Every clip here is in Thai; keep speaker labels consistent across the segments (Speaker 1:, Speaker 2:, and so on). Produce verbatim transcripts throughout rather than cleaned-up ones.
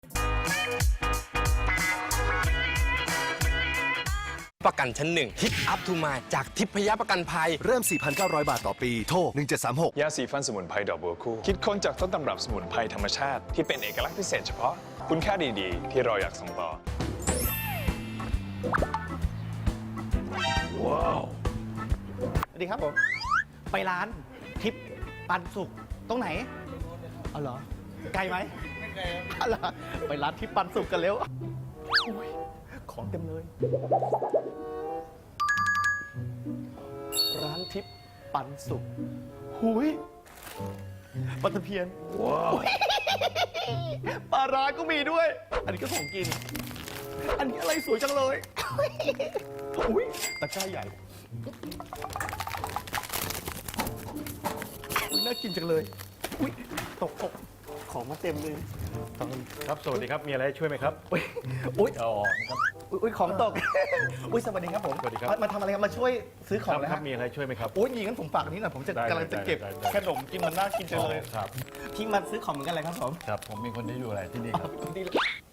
Speaker 1: ประกันชั้นหนึ่งฮิตอัพทูมาจากทิพยประกันภัย
Speaker 2: เริ่ม สี่พันเก้าร้อย บาทต่อปี โทร หนึ่งเจ็ดสามหก
Speaker 3: ยาสีฟันสมุนไพรดอกบัวคู่คิดค้นจากต้นตำรับสมุนไพรธรรมชาติที่เป็นเอกลักษณ์พิเศษเฉพาะคุณค่าดีๆ ที่เราอยากส่งต่อว้าว
Speaker 4: สวัสดีครับผม ไปร้านทิพย์ปันสุกตรงไหนอ๋อเหรอไกลไหมไม่ไกลครับเหรอไปร้านทิพย์ปันสุกกันเร็วอุ๊ยของเต็มเลย ร้านทิพย์ปันสุกหุยปลาตะเพียนว้าวปลาร้าก็มีด้วย อันนี้ก็ของกิน อันนี้อะไรสวยจังเลยอุ้ยตะกร้าใหญ่อุ้ยน่ากินจังเลยอุ้ยตกตกของมาเต็มเลยตอน
Speaker 5: ครับ สวัสดีครับ มีอะไรให้ช่วยไหมครับ
Speaker 4: อุ้ยอุ้ย
Speaker 5: อ๋อครับ
Speaker 4: อุ้ยของตกอุ้ยสวัสดีครับผม
Speaker 5: สวัสดีครับ
Speaker 4: มามาทำอะไรครับมาช่วยซื้อของ
Speaker 5: ครับ
Speaker 4: เลย
Speaker 5: ครั
Speaker 4: ฮะ
Speaker 5: บ มีอะไรช่วยไหมครับ
Speaker 4: โอ้ยยิงงั้นผมฝากอันนี้หน่อยผมจะ
Speaker 5: ได้
Speaker 4: กำลังจะเก็บ
Speaker 5: ได้ได้ได้
Speaker 4: ขนมกินมันน่ากินจังเลย
Speaker 5: ครับ
Speaker 4: ที่มาซื้อของเหมือนกันเลยครับผม
Speaker 5: ครับ ผมมีคนที่ดูแลที่นี่ครับ
Speaker 4: ดี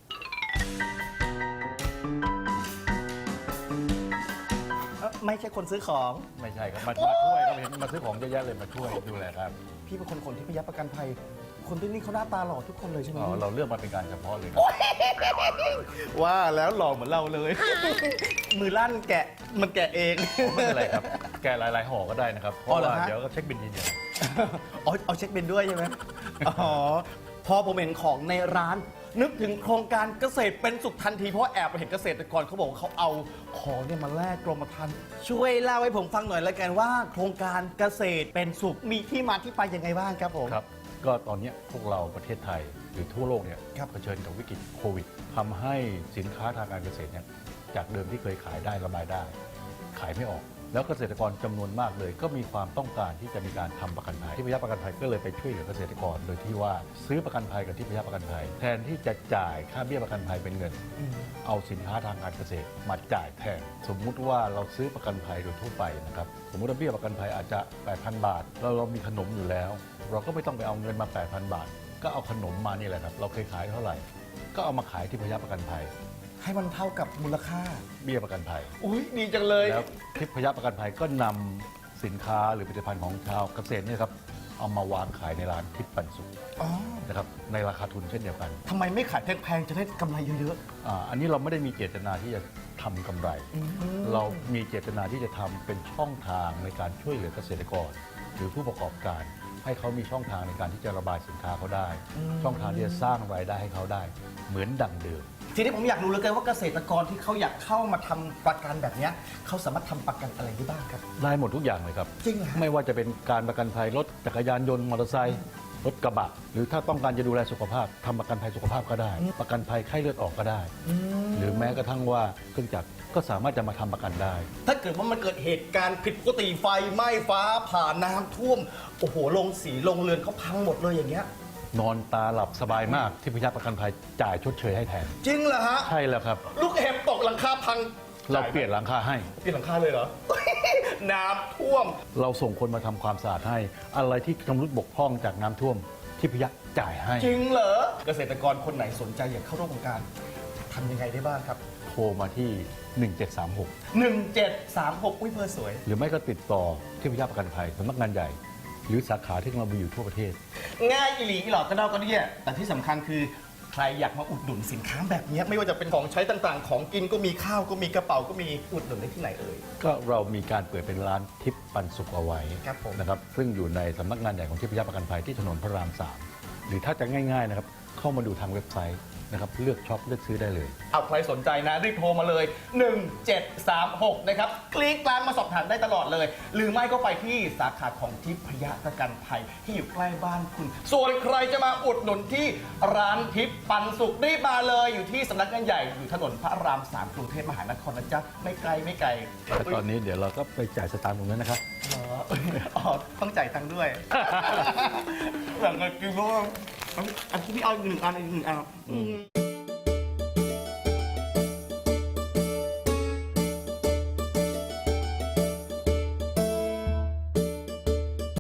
Speaker 4: เอ้อไม่ใช่คนซื้อของ
Speaker 5: ไม่ใช่ครับ มามาช่วยครับเห็นมาซื้อของเยอะแยะเลย มาช่วยดูแลครับ
Speaker 4: พี่เป็นคนคนที่พยับประกันภัย คนที่นี่เขาหน้าตาหล่อทุกคนเลยใช่ไหม
Speaker 5: อ๋อ เราเลือกมาเป็นการเฉพาะเลยครับ
Speaker 4: ว่าแล้วหล่อเหมือนเราเลย มือลั่นแกะมันแกะเอง
Speaker 5: ไม่เป็นไรครับ แกหลายๆห่อก็ได้นะครับ เพ
Speaker 4: อ๋อ
Speaker 5: ราะ
Speaker 4: เหรอ
Speaker 5: ว่า
Speaker 4: ฮะ
Speaker 5: เดี๋ยวก็เช็คบินทีเดียว
Speaker 4: อ๋อเอาเช็คบินด้วยใช่ไหมอ๋อ พอผมเห็นของในร้าน นึกถึงโครงการเกษตรเป็นสุขทันที เพราะว่าแอบไปเห็นเกษตรกรเขาบอกว่าเขาเอาของเนี่ยมาแลกกรมธรรม์ช่วยเล่าให้ผมฟังหน่อยแล้วกันว่าโครงการเกษตรเป็นสุขมีที่มาที่ไปยังไงบ้างครับผม
Speaker 5: ครับ ก็ตอนเนี้ยพวกเราประเทศไทยหรือทั่วโลกเนี่ย
Speaker 4: ครับ
Speaker 5: เผชิญกับวิกฤตโควิดทำให้สินค้าทางการเกษตรเนี่ยจากเดิมที่เคยขายได้ระบายได้ ขายไม่ออก แล้วเกษตรกรจำนวนมากเลย ก็มีความต้องการที่จะมีการทำประกันภัยที่พยาประกันภัยก็เลยไปช่วยเหลือเกษตรกร โดยที่ว่าซื้อประกันภัยกับที่พยาประกันภัย แทนที่จะจ่ายค่าเบี้ยประกันภัยเป็นเงิน เอาสินค้าทางการเกษตรมาจ่ายแทน สมมุติว่าเราซื้อประกันภัยโดยทั่วไปนะครับสมมติว่าเบี้ยประกันภัยอาจจะ แปดพัน บาทเราเรามีขนมอยู่แล้ว เราก็ไม่ต้องไปเอาเงินมา แปดพัน บาท ก็เอาขนมมานี่แหละครับเราเคยขายเท่าไหร่ ก็เอามาขายที่พยาประกันภัย
Speaker 4: ให้มันเท่ากับมูลค่า
Speaker 5: เบี้ยประกันภัย
Speaker 4: อุ้ยดีจังเลย
Speaker 5: แล้วทิพยประกันภัยก็นำสินค้าหรือผลิตภัณฑ์ของชาวเกษตรเนี่ยครับเอามาวางขายในร้านทิพย์ปันสุข
Speaker 4: อ๋อ
Speaker 5: นะครับในราคาทุนเช่นเดียวกัน
Speaker 4: ทำไมไม่ขายแพงๆจะได้กำไรเยอะ
Speaker 5: อ่าอันนี้เราไม่ได้มีเจตนาที่จะทำกำไร
Speaker 4: อืม
Speaker 5: เรามีเจตนาที่จะทำเป็นช่องทางในการช่วยเหลือเกษตรกร หรือผู้ประกอบการ ให้เขามีช่องทางในการที่จะระบายสินค้าเขาได้ ช่องทางที่จะสร้างรายได้ให้เขาได้ เหมือนดังเดิม
Speaker 4: ๆ ทีนี้ผมอยากรู้เหลือเกินว่าเกษตรกรที่เขาอยากเข้ามาทำประกันแบบเนี้ยเขาสามารถทำประกันอะไรได้บ้างครับ
Speaker 5: ได้หมดทุกอย่างเลยครับ
Speaker 4: จริงเหรอฮะ
Speaker 5: ไม่ว่าจะเป็นการประกันภัยรถจักรยานยนต์มอเตอร์ไซค์รถกระบะ หรือถ้าต้องการจะดูแลสุขภาพทำประกันภัยสุขภาพก็ได้ ประกันภัยไข้เลือดออกก็ได้ หรือแม้กระทั่งว่าเครื่องจักรก็สามารถจะมาทำประกันได้
Speaker 4: ถ้าเกิดว่ามันเกิดเหตุการณ์ผิดปกติไฟไหม้ฟ้าผ่าน้ำท่วม โอ้โหลงสีลงเรือนเขาพังหมดเลยอย่างเงี้ย
Speaker 5: นอนตาหลับสบายมากที่พยาประกันภัยจ่ายชดเชยให้แทน
Speaker 4: จริงเหรอฮะ
Speaker 5: ใช่แล้วครับ
Speaker 4: ลูกเห็บตกหลังคาพัง
Speaker 5: เราเปลี่ยนหลังคาให้
Speaker 4: เปลี่ยนหลังคาเลยเหรอ น้ำท่วม
Speaker 5: เราส่งคนมาทำความสะอาดให้ อะไรที่ชำรุดบกพร่องจากน้ำท่วมที่พยาจ่ายให้
Speaker 4: จริงเหรอ เกษตรกรคนไหนสนใจอยากเข้าร่วมโครงการทำยังไงได้บ้างครับ
Speaker 5: โทรมาที่ หนึ่งเจ็ดสามหก
Speaker 4: หนึ่งเจ็ดสามหกอุ้ยเบอร์สวย
Speaker 5: หรือไม่ก็ติดต่อที่พยาประกันภัยสำนักงานใหญ่ หรือสาขาที่เรามีอยู่ทั่วประเทศ
Speaker 4: ง่ายอีหลีอีหลอกก็เดาก็เนี่ยแต่ที่สำคัญคือใครอยากมาอุดหนุนสินค้าแบบเนี้ยไม่ว่าจะเป็นของใช้ต่างๆ ของกินก็มีข้าวก็มีกระเป๋าก็มีอุดหนุนได้ที่ไหนเอ่ย
Speaker 5: ก็เรามีการเปิดเป็นร้านทิพย์ปันสุขเอาไว้
Speaker 4: ครับผม
Speaker 5: นะครับซึ่งอยู่ในสำนักงานใหญ่ของทิพยประกันภัยที่ถนนพระรามสามหรือถ้าจะง่ายๆนะครับเข้ามาดูทางเว็บไซต์นะครับเลือกช็อปเลือกซื้อได้เลย
Speaker 4: เอาใครสนใจนะรีบโทรมาเลย หนึ่งเจ็ดสามหก นะครับคลิกกลางมาสอบถามได้ตลอดเลย หรือไม่ก็ไปที่สาขาของทิพยประกันภัยที่อยู่ใกล้บ้านคุณ ส่วนใครจะมาอุดหนุนที่ร้านทิพย์ปันสุขรีบมาเลยอยู่ที่สำนักงานใหญ่อยู่ถนนพระรามสามกรุงเทพมหานครนะจ๊ะไม่ไกลไม่ไกล
Speaker 5: และตอนนี้เดี๋ยวเราก็ไปจ่ายสตางค์ตรงนั้นนะครับ
Speaker 4: อ๋ออ๋อต้องจ่ายตังค์ด้วย แบ่งกันกินบ้างอันที่พี่เอาอีกหนึ่งอันอีกหนึ่งอันอืม